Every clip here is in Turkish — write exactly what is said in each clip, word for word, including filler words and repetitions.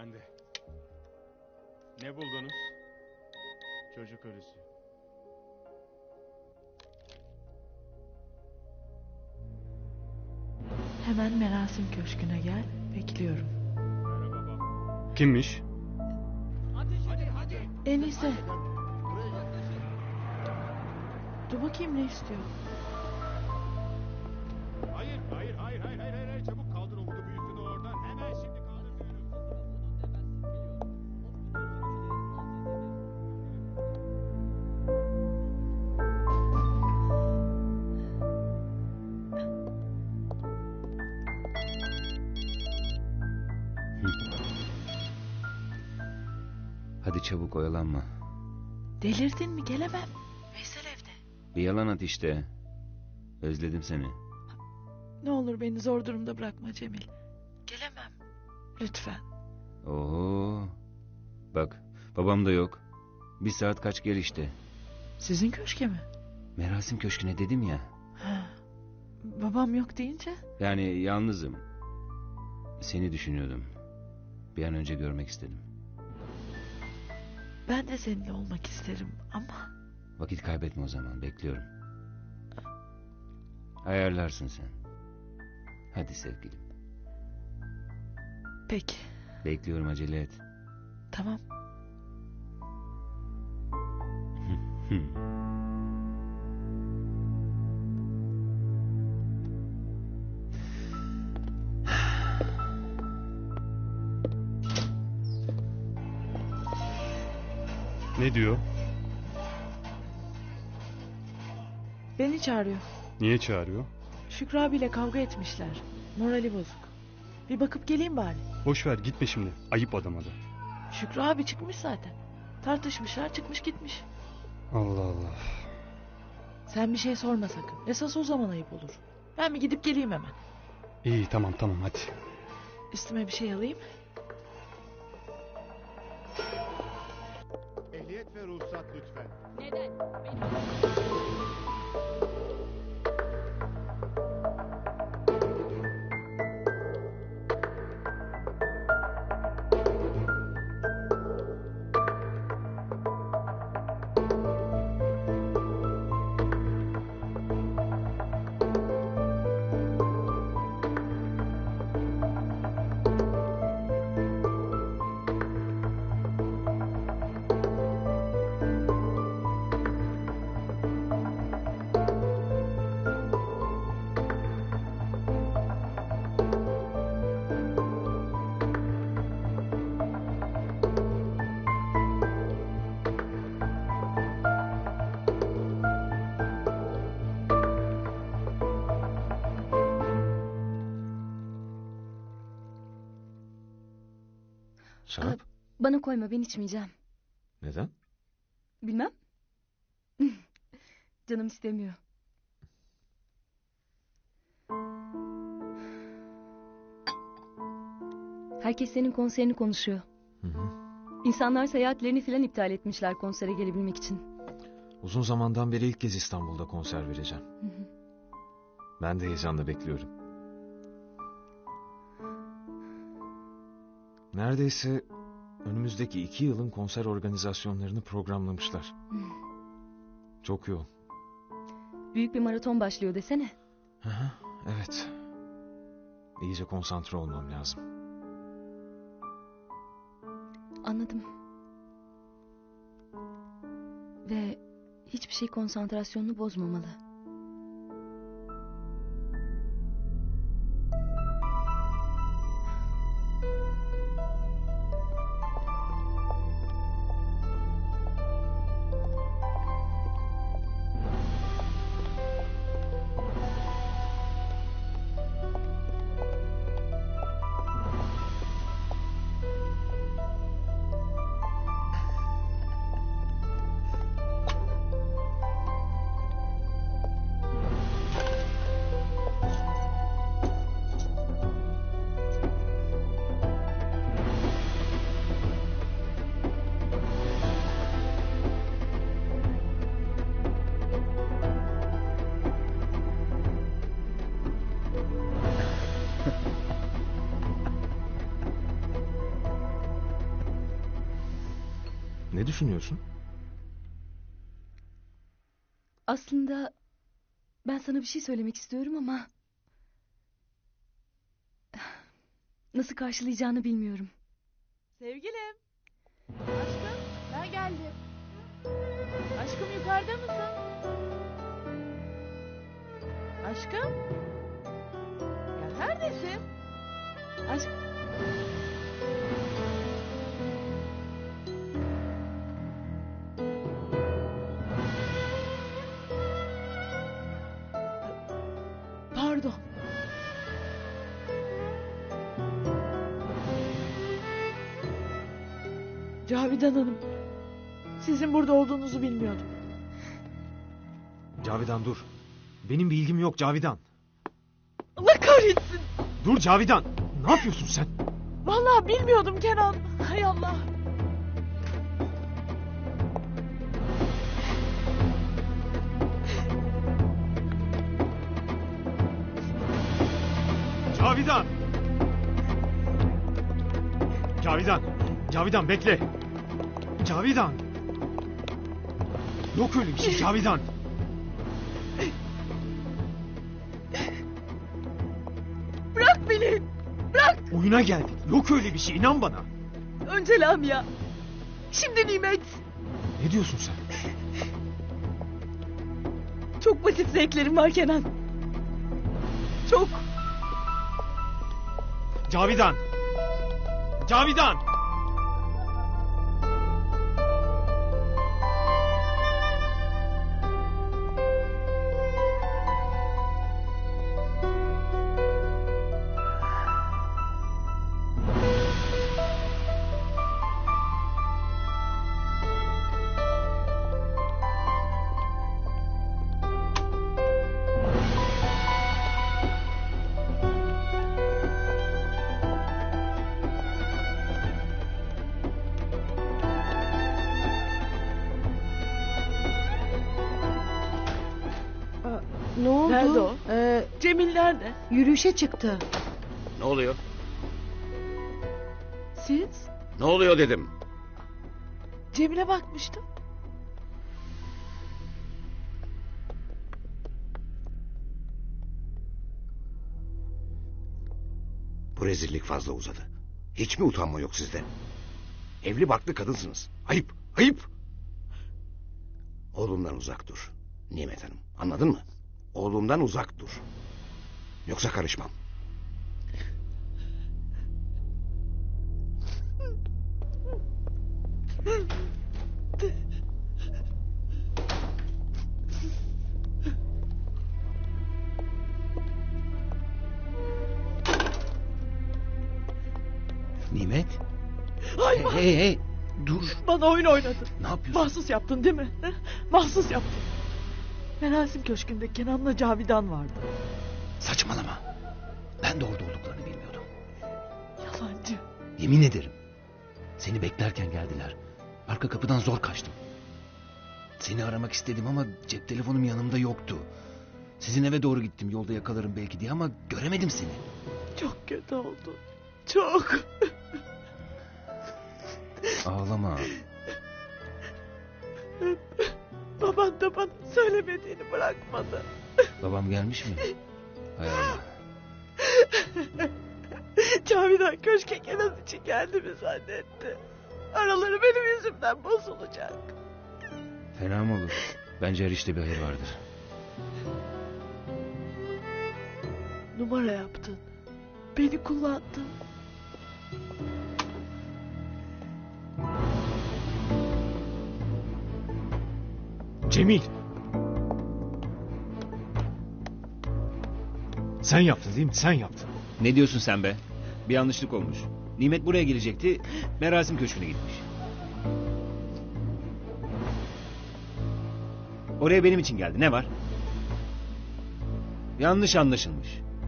ben de. Ne buldunuz? Çocuk ölüsü. Hemen Merasim Köşkü'ne gel. Bekliyorum. Merhaba baba. Kimmiş? Enise. Dur bakayım ne istiyor. Hayır, hayır, hayır, hayır, hayır, hayır, hayır. Çabuk kaldır o budu büyüklüğünü oradan. Hemen şimdi kaldır diyorum. Hadi çabuk oyalanma. Delirdin mi? Gelemem. Veysel evde. Bir yalan at işte. Özledim seni. Ne olur beni zor durumda bırakma Cemil. Gelemem. Lütfen. Oho. Bak babam da yok. Bir saat kaç gel işte. Sizin köşke mi? Merasim Köşkü'ne dedim ya. Ha. Babam yok deyince? Yani yalnızım. Seni düşünüyordum. Bir an önce görmek istedim. Ben de seninle olmak isterim ama... Vakit kaybetme o zaman, bekliyorum. Ayarlarsın sen. Hadi sevgilim. Peki. Bekliyorum, acele et. Tamam. Ne diyor? Beni çağırıyor. Niye çağırıyor? Şükrü abiyle kavga etmişler. Morali bozuk. Bir bakıp geleyim bari. Boş ver, gitme şimdi. Ayıp adama da. Şükrü abi çıkmış zaten. Tartışmışlar, çıkmış gitmiş. Allah Allah. Sen bir şey sorma sakın. Esas o zaman ayıp olur. Ben bir gidip geleyim hemen. İyi, tamam tamam, hadi. Üstüme bir şey alayım. Ehliyet ve ruhsat lütfen. Neden? Benim... Şarap? Bana koyma, ben içmeyeceğim. Neden? Bilmem. Canım istemiyor. Herkes senin konserini konuşuyor. Hı hı. İnsanlar seyahatlerini filan iptal etmişler konsere gelebilmek için. Uzun zamandan beri ilk kez İstanbul'da konser vereceğim. Hı hı. Ben de heyecanla bekliyorum. Neredeyse önümüzdeki iki yılın konser organizasyonlarını programlamışlar. Hı. Çok yoğun. Büyük bir maraton başlıyor desene. Hı hı, evet. İyice konsantre olmam lazım. Anladım. Ve hiçbir şey konsantrasyonunu bozmamalı. Ne düşünüyorsun? Aslında ben sana bir şey söylemek istiyorum ama nasıl karşılayacağını bilmiyorum. Sevgilim. Aşkım ben geldim. Aşkım yukarıda mısın? Aşkım. Ya neredesin? Aşk... Pardon. Cavidan Hanım. Sizin burada olduğunuzu bilmiyordum. Cavidan dur. Benim bir ilgim yok Cavidan. Allah kahretsin. Dur Cavidan. Ne yapıyorsun sen? Vallahi bilmiyordum Kenan. Hay Allah. Cavidan! Cavidan! Cavidan bekle! Cavidan! Yok öyle bir şey Cavidan! Bırak beni. Bırak. Oyuna geldik. Yok öyle bir şey inan bana. Önce Lamia. Şimdi Nimet. Ne diyorsun sen? Çok basit zevklerim var Kenan. Çok. Cavidan! Cavidan! Ne oldu? Nerede o? Ee, Cemil nerede? yürüyüşe çıktı. Ne oluyor? Siz? Ne oluyor dedim. Cemil'e bakmıştım. Bu rezillik fazla uzadı. Hiç mi utanma yok sizde? Evli barklı kadınsınız. Ayıp, ayıp. Oğlumdan uzak dur. Nimet Hanım, anladın mı? Oğlumdan uzak dur. Yoksa karışmam. Nimet? Ay Hey hey hey. Dur. bana oyun oynadın. Ne yapıyorsun? Mahsus yaptın değil mi? He? Mahsus yaptın. Merasim Köşkü'nde Kenan'la Cavidan vardı. Saçmalama. Ben de orada olduklarını bilmiyordum. Yalancı. Yemin ederim. Seni beklerken geldiler. Arka kapıdan zor kaçtım. Seni aramak istedim ama cep telefonum yanımda yoktu. Sizin eve doğru gittim, yolda yakalarım belki diye ama göremedim seni. Çok kötü oldu. Çok. Ağlama. Baban da bana söylemediğini bırakmadı. Babam gelmiş mi? Hay Allah. Cavidan köşke Kenan için geldi mi zannetti. Araları benim yüzümden bozulacak. Fena mı olur? Bence her işte bir hayır vardır. Numara yaptın. Beni kullandın. Cemil! Sen yaptın değil mi? Sen yaptın. Ne diyorsun sen be? Bir yanlışlık olmuş. Nimet buraya gelecekti. Merasim Köşkü'ne gitmiş. Oraya benim için geldi. Ne var? Yanlış anlaşılmış.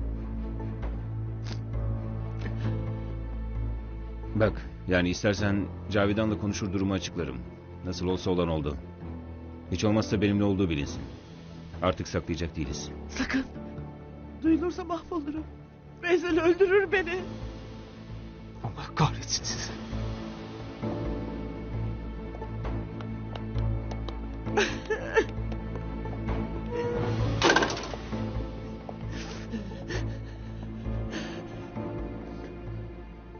Bak, yani istersen Cavidan'la konuşur durumu açıklarım. Nasıl olsa olan oldu. Hiç olmazsa benimle olduğu bilinsin. Artık saklayacak değiliz. Sakın. Duyulursa mahvolurum. Veysel öldürür beni. Allah kahretsin sizi.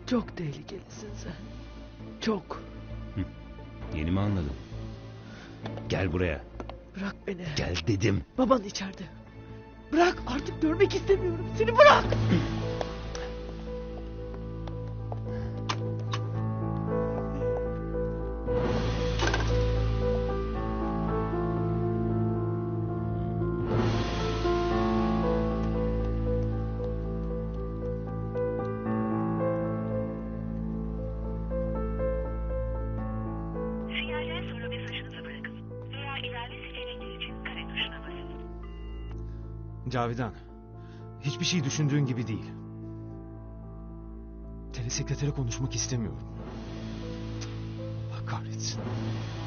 Çok tehlikelisin sen. Çok. Yeni mi anladın? Gel buraya. Bırak beni. Gel dedim. Baban içeride. Bırak, artık görmek istemiyorum. Seni bırak. Sinyalden sonra mesajınızı bırakın. Veya ilerle seçenekleri için kare tuşuna basın. Cavidan, hiçbir şey düşündüğün gibi değil. Telesekretere konuşmak istemiyorum. Allah kahretsin.